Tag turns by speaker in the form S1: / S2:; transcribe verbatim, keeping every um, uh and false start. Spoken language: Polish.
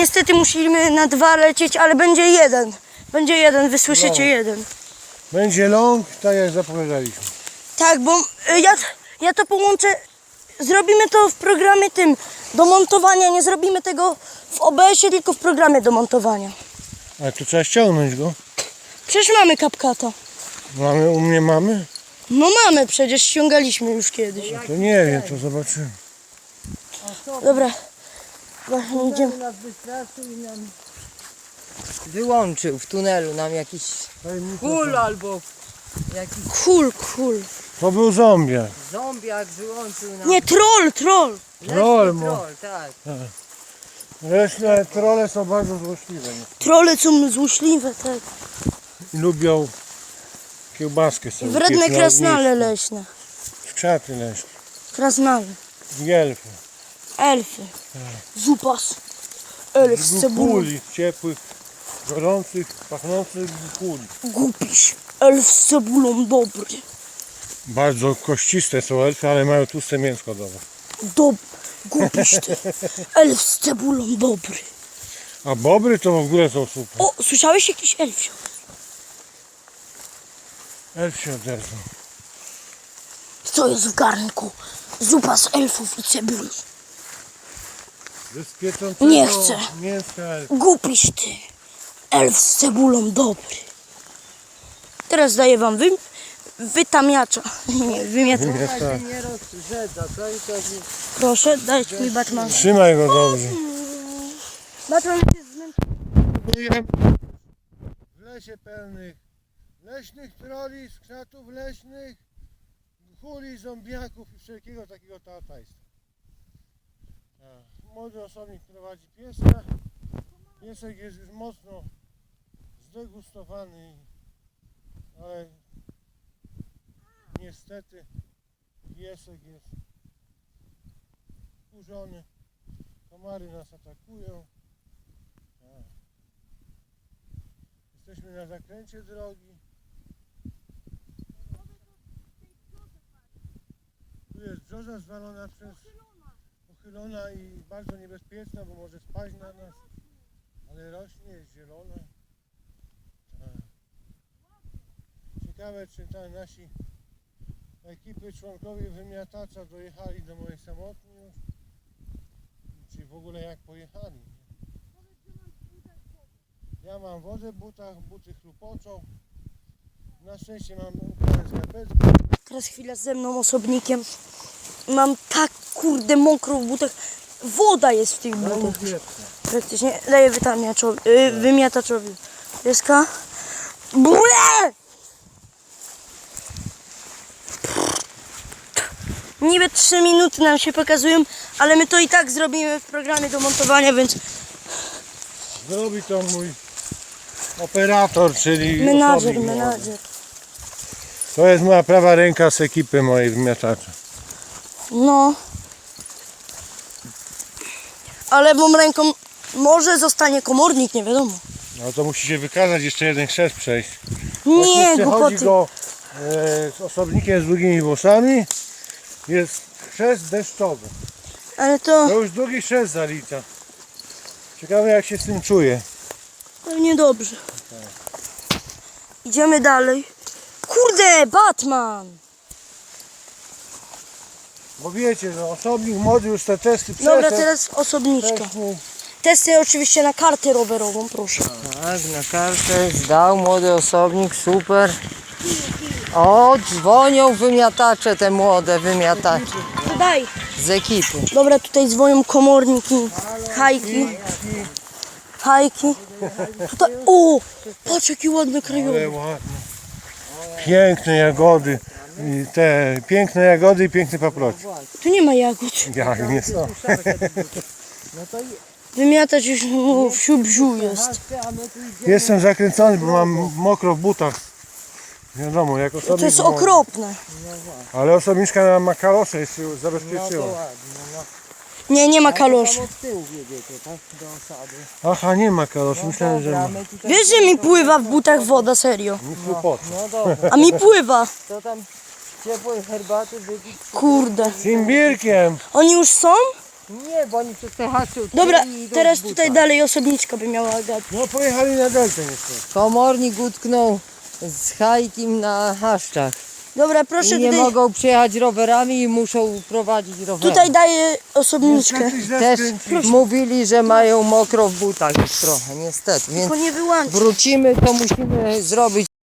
S1: niestety musimy na dwa lecieć, ale będzie jeden. Będzie jeden, wysłyszycie
S2: No.
S1: jeden.
S2: Będzie long, tak jak zapowiadaliśmy.
S1: Tak, bo y, ja, ja to połączę, zrobimy to w programie tym do montowania, nie zrobimy tego w O B S-ie, tylko w programie do montowania.
S2: Ale to trzeba ściągnąć go.
S1: Przecież mamy CapCuta.
S2: Mamy, u mnie mamy?
S1: No mamy, przecież ściągaliśmy już kiedyś.
S2: To nie wiem, to zobaczymy.
S1: Dobra, właśnie idziemy.
S3: nas wystraszył i nam wyłączył w tunelu nam jakiś kul albo jakiś
S1: Cool, cool.
S2: To był zombiak.
S3: zombiak wyłączył nam.
S1: Nie, troll, troll.
S3: Leśny
S2: troll, mo.
S3: troll, tak.
S2: Leśne trole są bardzo złośliwe.
S1: Trolle są złośliwe, tak.
S2: I lubią kiełbaskę sobie.
S1: Wredne
S2: piec na
S1: krasnale
S2: ognisku.
S1: leśne.
S2: Krzaty leśne.
S1: Krasnale.
S2: Gielfy.
S1: Elfy. Zupas. Elf z cebulą.
S2: Kuli ciepłych, gorących, pachnących kuli.
S1: Głupiś. Elf z cebulą dobry.
S2: Bardzo kościste są elfy, ale mają tłuste mięsko dobre.
S1: Dob... Głupiś ty. Elf z cebulą dobry.
S2: A bobry to w ogóle są super.
S1: O, słyszałeś jakiś elfio?
S2: Elf się odezwał.
S1: Co jest w garnku? Zupa z elfów i cebuli.
S2: Ze spiecącego
S1: Nie chcę.
S2: mięska elfa.
S1: Głupiś ty. Elf z cebulą dobry. Teraz daję wam wy... wytamiacza. Nie, wymiatacza.
S3: Tak się nie rozrzedza, co i to jest.
S1: Proszę, dajcie mi Batman.
S2: Trzymaj go dobrze.
S1: Batman jest zmęczony.
S2: W lesie pełnych leśnych troli, skrzatów leśnych, kuli, zombiaków i wszelkiego takiego tatajstwa. Młody osobnik prowadzi pieska. Piesek jest już mocno zdegustowany, ale niestety piesek jest wkurzony. Komary nas atakują. Jesteśmy na zakręcie drogi. Tu jest brzoza zwalona przez pochylona i bardzo niebezpieczna, bo może spaść na nas. Ale rośnie, jest zielona. Tak. Ciekawe, czy ta nasi ekipy, członkowie wymiatacza dojechali do mojej samotni już. Czy w ogóle jak pojechali. Ja mam wodę w butach, buty chlupoczą. Na szczęście mam ubrane skarpetki.
S1: Teraz chwila ze mną, osobnikiem. Mam tak kurde mokro w butach. Woda jest w tych butach. Praktycznie daję wytamiaczowi, yy, wymiataczowi. Pieska. Bule! Niby trzy minuty nam się pokazują, ale my to i tak zrobimy w programie do montowania, więc
S2: Zrobi to mój operator, czyli
S1: menadżer,
S2: osobnik młody.
S1: menadżer.
S2: To jest moja prawa ręka z ekipy mojej wymiatacza.
S1: No. A lewą ręką może zostanie komornik, nie wiadomo.
S2: No to musi się wykazać, jeszcze jeden chrzest przejść.
S1: Nie,
S2: Przechodzi
S1: głupoty.
S2: go e, z osobnikiem z długimi włosami. Jest chrzest deszczowy.
S1: Ale to
S2: To już drugi chrzest zalicza. Ciekawe jak się z tym czuje.
S1: pewnie dobrze. Idziemy dalej. Kurde, Batman!
S2: Bo wiecie, że osobnik młody już te testy przeszedł.
S1: Dobra, teraz osobniczka.
S2: Wcześniej.
S1: Testy oczywiście na kartę rowerową, proszę.
S3: Tak, na kartę zdał młody osobnik, super. O, dzwonią wymiatacze, te młode wymiatacze
S1: Daj.
S3: z ekipy.
S1: Dobra, tutaj dzwonią komornik i hajki. Hajki. Tutaj, o, patrz jaki ładny
S2: Ale
S1: krajowy.
S2: ładne. Piękne jagody. I te piękne jagody i piękne paproci.
S1: Tu nie ma jagód.
S2: Jak nie są.
S1: Wymiatać już no, wsiu bziu jest.
S2: Jestem zakręcony, bo mam mokro w butach. Wiadomo, jak osobnik.
S1: To jest
S2: młody.
S1: okropne.
S2: Ale osobniczka ma kalosze, jeszcze ją zabezpieczyła.
S1: Nie, nie ma kaloszy.
S3: Od tyłu wiedziecie, tak? Do osady.
S2: Aha, nie ma kaloszy, myślałem, że ma.
S3: my tutaj...
S1: Wiesz, że mi pływa w butach woda, serio.
S2: Nic głupot.
S3: No dobra,
S1: A mi pływa.
S3: to tam ciepłej herbaty wypić.
S1: Kurde.
S2: Z imbirkiem.
S1: Oni już są?
S3: Nie, bo oni przez te haczy
S1: Dobra,
S3: odkryli i idą
S1: teraz
S3: w butach.
S1: tutaj dalej osobniczka by miała gadać.
S2: No pojechali na deltę niestety.
S3: Komornik utknął z hajtim na haszczach.
S1: Dobra, proszę
S3: I nie
S1: tutaj,
S3: mogą przejechać rowerami i muszą prowadzić rowerem.
S1: tutaj daję osobniczkę.
S2: Niestety źle
S3: Też
S2: skręcili.
S3: mówili, że mają mokro w butach już trochę, niestety. Więc
S1: Tylko nie wyłącz.
S3: wrócimy, to musimy zrobić